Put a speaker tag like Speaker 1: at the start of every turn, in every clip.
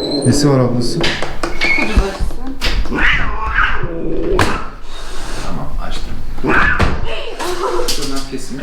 Speaker 1: Nesi var ablası?
Speaker 2: Tamam, açtım. Şuradan kesimi.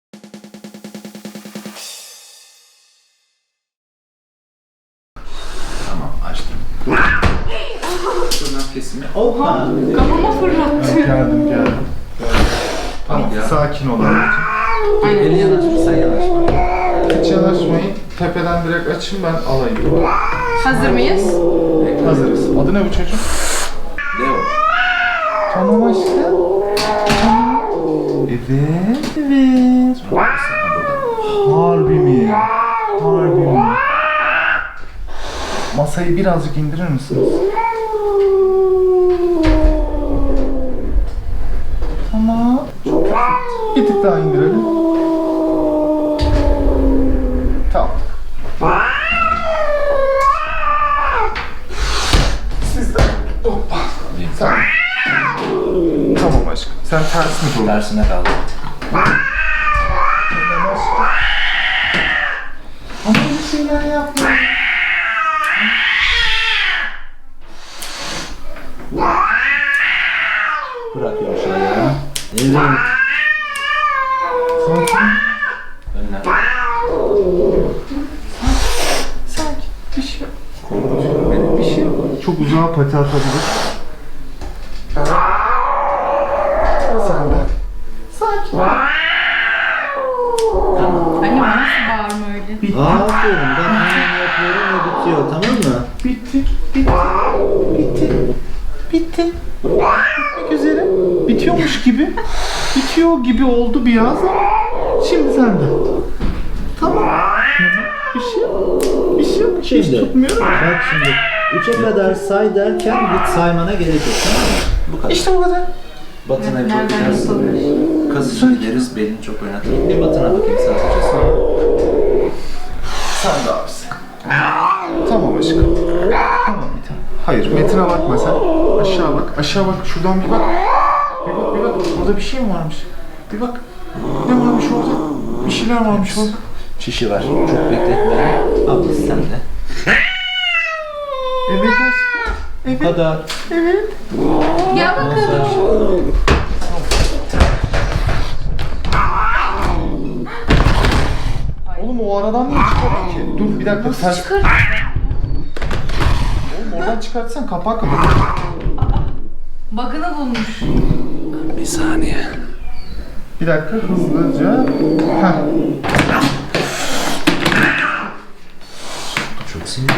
Speaker 2: Tamam, açtım. Şuradan kesimi.
Speaker 3: Oha!
Speaker 4: Kafama fırlattı.
Speaker 1: Geldim.
Speaker 2: Tamam ya.
Speaker 1: Sakin ol anneciğim.
Speaker 2: Eli yanaşma, sen yanaşma.
Speaker 1: Hiç yanaşmayın. Tepeden direkt açın, ben alayım.
Speaker 4: Hazır mıyız?
Speaker 1: Hazırız. Adı ne bu çocuğun?
Speaker 2: Leo.
Speaker 1: Tamam aşkım. Tamam. Evet. Harbi mi? Harbi mi? Masayı birazcık indirir misiniz? Tamam. Çok hafif. Bir tık daha indirelim. Tamam. Siz de. Hoppa. Tamam. Tamam aşkım. Sen ters mi durdun?
Speaker 2: Tersine kaldı.
Speaker 1: Ama bir şeyler yapma.
Speaker 2: Bırakıyorum şöyle. Evet.
Speaker 1: Sakin.
Speaker 2: Önüne.
Speaker 1: Sakin. Bir şey yok. Benim bir şey yok. Çok uzağa pati atabilir. Sen de. Sakin.
Speaker 4: Anne nasıl bağırma öyle?
Speaker 1: Bitti.
Speaker 3: Aferin, ben hemen yapıyorum ve bitiyor, tamam mı?
Speaker 1: Bitti. Bitti. Bitmek üzere. Bitiyormuş gibi. Bitiyor gibi oldu biraz ama şimdi sende. Tamam. Bir şey yok. Bir şey yok. Hiç
Speaker 3: Şimdi,
Speaker 1: tutmuyorum.
Speaker 3: bak şimdi, 3'e kadar say derken git saymana gerek yok, tamam mı?
Speaker 2: Bu kadar.
Speaker 1: İşte bu kadar.
Speaker 2: Batına çok
Speaker 4: Nereden
Speaker 2: biraz
Speaker 4: yapılmış?
Speaker 2: kasıcı gideriz, belini çok oynatır. Bir batına bakayım sen seçersin.
Speaker 1: Sen de abisi. Tamam aşkım. Tamam bir tane. Hayır Metin'e bakma sen. Aşağı bak. Aşağı bak. Şuradan bir bak. Bir bak. Orada bir şey mi varmış? Bir bak. Ne varmış orada? Bir şeyler varmış orada.
Speaker 2: Şişi var. Çok bekletme. Ablası sen de.
Speaker 1: Evet aşkım.
Speaker 3: Bu
Speaker 1: Evet.
Speaker 3: kadar.
Speaker 1: Evet.
Speaker 4: Gel bakalım.
Speaker 1: Oğlum o aradan niye çıkarıyor ki? Dur bir dakika. Sen...
Speaker 4: Çıkar.
Speaker 1: Oğlum oradan çıkartsan kapak kapat.
Speaker 4: Bug'ını bulmuş.
Speaker 2: Bir saniye.
Speaker 1: Bir dakika hızlıca. Heh.
Speaker 2: Çok sinirli.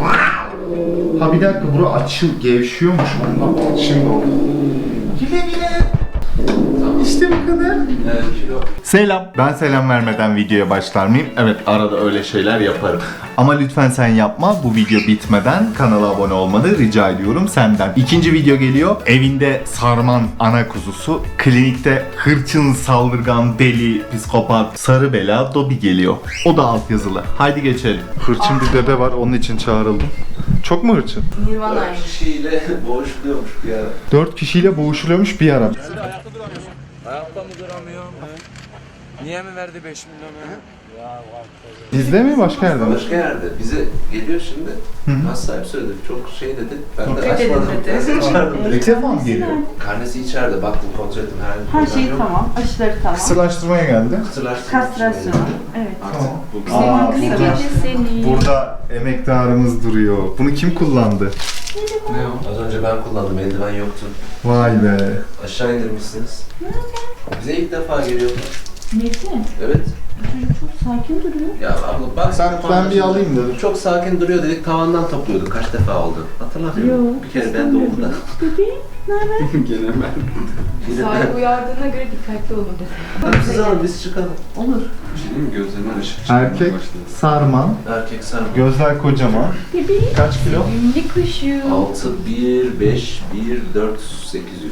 Speaker 1: Ha bir dakika bura açıl gevşiyormuş ondan. Şimdi oldu. Güle güle. İşte bu kadar.
Speaker 2: Kilo.
Speaker 1: Selam. Ben selam vermeden videoya başlar mıyım? Evet arada öyle şeyler yaparım. Ama lütfen sen yapma. Bu video bitmeden kanala abone olmanı rica ediyorum senden. İkinci video geliyor. Evinde sarman ana kuzusu. Klinikte hırçın, saldırgan, deli, psikopat, sarı bela Dobby geliyor. O da altyazılı. Haydi geçelim. Hırçın bir bebe var onun için çağrıldım. Çok mu hırçın?
Speaker 4: Nirvana'ymış.
Speaker 2: Kişiyle boğuşluyormuş bir ara.
Speaker 1: 4 kişiyle boğuşuluyormuş bir ara.
Speaker 5: Ayakta mı duramıyor? Niye mi verdi 5 milyonu?
Speaker 1: Bizde mi başka yerde mi?
Speaker 2: Başka yerde. Bize geliyor şimdi. Mas sahibi söyledi. Çok şey dedi. Ben de açmadım.
Speaker 1: İlk defa mı geliyor?
Speaker 2: Karnesi içeride. Baktım kontrol ettim. Herhangi bir
Speaker 6: Her şey
Speaker 2: yok.
Speaker 6: tamam, aşıları tamam.
Speaker 1: Kısırlaştırmaya geldi.
Speaker 2: Kısırlaştırma için
Speaker 6: Kastrasyon,
Speaker 2: geldi.
Speaker 6: evet.
Speaker 2: Artık bu
Speaker 1: Aa,
Speaker 6: Ne
Speaker 1: burada,
Speaker 6: gece seni.
Speaker 1: burada emektarımız duruyor. Bunu kim kullandı?
Speaker 2: ne o? Az önce ben kullandım. Eldiven yoktu.
Speaker 1: Vay be.
Speaker 2: Aşağı indirmişsiniz. Bize ilk defa geliyor.
Speaker 6: Metin,
Speaker 2: Evet.
Speaker 6: çocuk çok sakin duruyor.
Speaker 2: Ya abla bak.
Speaker 1: Ben bir alayım dedim.
Speaker 2: Çok sakin duruyor dedik. Tavandan topluyorduk. Kaç defa oldu? Hatırlamıyorum.
Speaker 6: Yok,
Speaker 2: Bir kere ben de oldu da.
Speaker 6: Bebeğim, ne haber?
Speaker 2: Gene ben.
Speaker 4: Sahibi uyardığına göre dikkatli olun dedi.
Speaker 2: Hadi siz alın biz çıkalım.
Speaker 6: Olur.
Speaker 5: Gözlerine ışık
Speaker 1: Erkek sarman,
Speaker 2: Erkek sen.
Speaker 1: gözler kocaman.
Speaker 6: Bebeğim.
Speaker 1: Kaç kilo?
Speaker 4: Ünlü kuşu.
Speaker 2: 6, 1, 5, 1, 4, 800.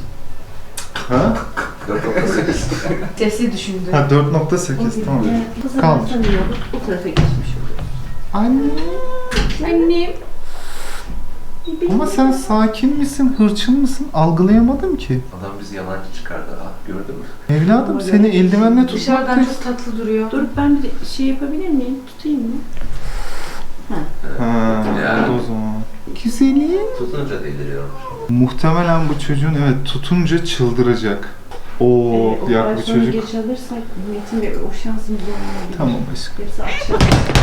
Speaker 1: Ha?
Speaker 2: 4.8.
Speaker 4: Sesi düşündü.
Speaker 1: Ha 4.8 tamam.
Speaker 6: Kızım
Speaker 1: Kaldır.
Speaker 6: sana iyi olur. O tarafa geçmiş olur.
Speaker 1: Anne.
Speaker 4: Annem.
Speaker 1: Ama sen sakin misin, hırçın mısın? Algılayamadım ki.
Speaker 2: Adam bizi yalancı çıkardı. Ah gördün mü?
Speaker 1: Evladım seni eldivenle tutmak
Speaker 4: Dışarıdan
Speaker 1: da...
Speaker 4: çok tatlı duruyor.
Speaker 6: Dur ben bir şey yapabilir miyim? Tutayım mı?
Speaker 1: Ha,
Speaker 2: Yani.
Speaker 1: o zaman. Güzeli.
Speaker 2: Tutunca deliriyormuş.
Speaker 1: Muhtemelen bu çocuğun evet tutunca çıldıracak. Oo, diğer bu çocuk.
Speaker 6: geç alırsak Metin Bey o şansımız olmayabilir.
Speaker 1: Tamam aşkım.
Speaker 6: Hepsi akşam.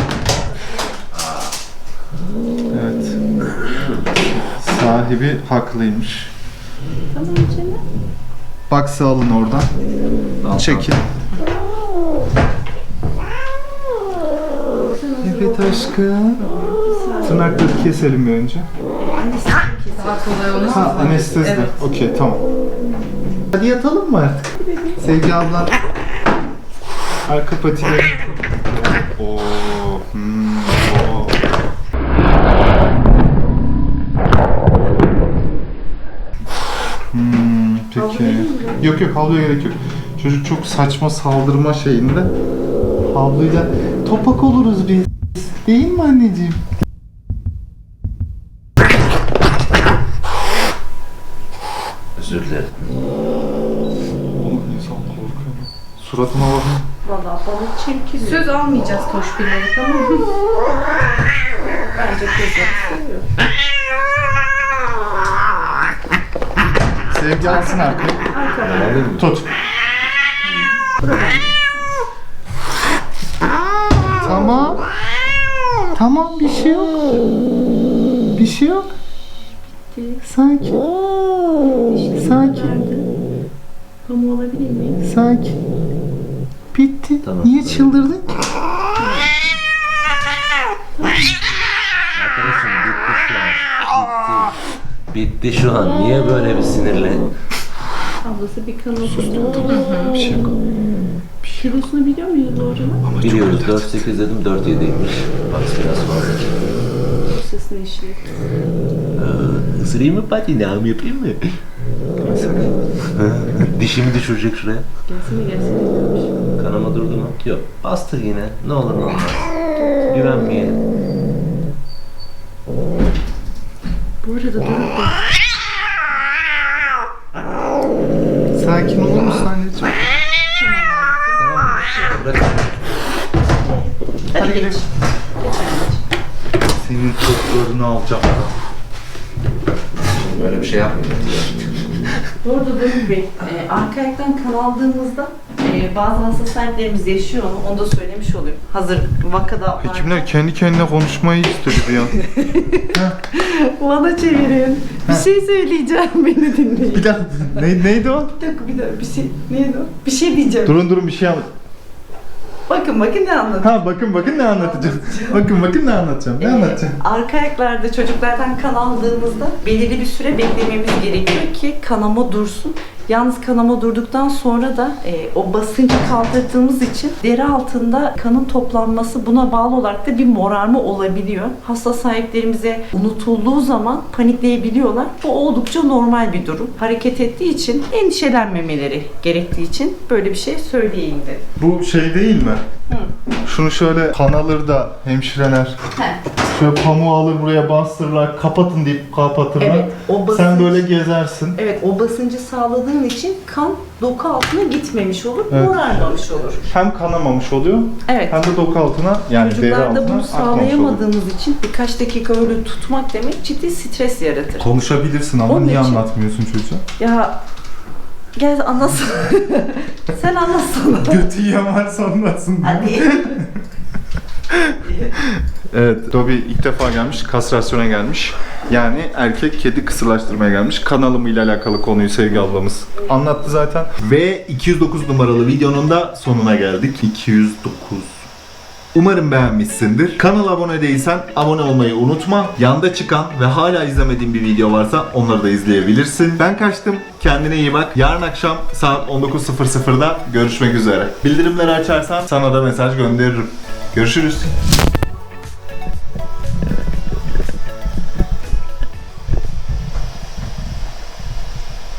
Speaker 1: Evet. Sahibi haklıymış.
Speaker 6: Tamam canım.
Speaker 1: Baksı alın oradan. Çekin. Evet aşkım. Tırnakları keselim bir önce.
Speaker 4: Daha kolay olmaz.
Speaker 1: Ha, anestezi.
Speaker 4: Evet.
Speaker 1: Okey, tamam. Hadi yatalım mı artık? Sevgi ablan. Arka patileri. Oo. Oo. Peki. Yok yok, havluya gerek yok. Çocuk çok saçma saldırma şeyinde. Havluyla topak oluruz biz. Değil mi anneciğim?
Speaker 2: Özür dilerim.
Speaker 1: Oğlum insan korkuyor. Suratıma bakın.
Speaker 6: Valla bana çirkin.
Speaker 4: Söz almayacağız koşbilleri, tamam mı?
Speaker 6: Bence kızım seviyor.
Speaker 1: Sevgi alsın arkaya.
Speaker 6: Arkadan.
Speaker 1: Tut. Tamam. Tamam, bir şey yok. Bir şey yok. Sakin. Sakin.
Speaker 6: Pamuğu olabilir miyim?
Speaker 1: Sakin. Bitti.
Speaker 2: Tamam.
Speaker 1: Niye çıldırdın ki?
Speaker 2: Arkadaşım bitti şu an. Bitti şu an. Niye böyle bir sinirli?
Speaker 6: Ablası bir kanal tuttu.
Speaker 1: Bir şey yok.
Speaker 6: Kilosunu biliyor muyuz doğru?
Speaker 2: Biliyoruz 4.8 dedim 4.7'ymiş. Bak biraz fazla.
Speaker 6: Sesini işliyor.
Speaker 2: Isırayım mı pati? Ne yapayım mı? Dişimi düşürecek şuraya.
Speaker 6: Gelsene.
Speaker 2: Kanama durdu mu? Yok. Bastı yine. Ne olur ne olmaz. Güvenmeyelim.
Speaker 6: Bu arada durup da
Speaker 1: Sakin olur musun anneciğim?
Speaker 2: Bırak.
Speaker 1: Hadi gidelim. Senin toplarını alacağım.
Speaker 2: Böyle bir şey yapmayacağım.
Speaker 6: Bu arada Doruk Bey, arka ayaktan kan aldığımızda bazı hasta sahiplerimiz yaşıyor onu da söylemiş olayım. Hazır vakada
Speaker 1: Hekimler kendi kendine konuşmayı istedi bir an.
Speaker 6: bana çevirin. Bir şey söyleyeceğim, beni dinleyin.
Speaker 1: Bir dakika, neydi o?
Speaker 6: Bir dakika, bir şey, neydi o? Bir şey diyeceğim.
Speaker 1: Durun bir şey anlat.
Speaker 6: Bakın ne anlatayım.
Speaker 1: Ha bakın ne anlatacağım. bakın ne anlatacağım. Ne anlatacağım?
Speaker 6: Arka ayaklarda çocuklardan kan aldığımızda belirli bir süre beklememiz gerekiyor ki kanama dursun. Yalnız kanama durduktan sonra da o basıncı kaldırdığımız için deri altında kanın toplanması buna bağlı olarak da bir morarma olabiliyor. Hasta sahiplerimize unutulduğu zaman panikleyebiliyorlar. Bu oldukça normal bir durum. Hareket ettiği için endişelenmemeleri gerektiği için böyle bir şey söyleyeyim dedim.
Speaker 1: Bu şey değil mi?
Speaker 6: Hı.
Speaker 1: Şunu şöyle kan alır da hemşireler şöyle pamuğu alır buraya bastırırlar, kapatın deyip kapatırlar.
Speaker 6: Evet, o basınç,
Speaker 1: Sen böyle gezersin.
Speaker 6: evet, o basıncı sağladığın için kan doku altına gitmemiş olur,
Speaker 1: Evet.
Speaker 6: morarmamış olur.
Speaker 1: Hem kanamamış oluyor
Speaker 6: Evet.
Speaker 1: hem de doku altına yani deri altına
Speaker 6: Çocuklarda bunu
Speaker 1: akmamış oluyor.
Speaker 6: sağlayamadığımız için birkaç dakika öyle tutmak demek ciddi stres yaratır.
Speaker 1: Konuşabilirsin ama
Speaker 6: Onun
Speaker 1: niye
Speaker 6: için-
Speaker 1: anlatmıyorsun çocuğa?
Speaker 6: Ya gel anlatsana. Sen anlatsana.
Speaker 1: Götü yiyen varsa anlatsın.
Speaker 6: Hadi.
Speaker 1: Evet, Dobby ilk defa gelmiş, kastrasyona gelmiş. Yani erkek kedi kısırlaştırmaya gelmiş. Kanalımıyla alakalı konuyu Sevgi ablamız anlattı zaten. Ve 209 numaralı videonun da sonuna geldik. 209. Umarım beğenmişsindir. Kanala abone değilsen abone olmayı unutma. Yanda çıkan ve hala izlemediğin bir video varsa onları da izleyebilirsin. Ben kaçtım. Kendine iyi bak. Yarın akşam saat 19.00'da görüşmek üzere. Bildirimleri açarsan sana da mesaj gönderirim. Görüşürüz.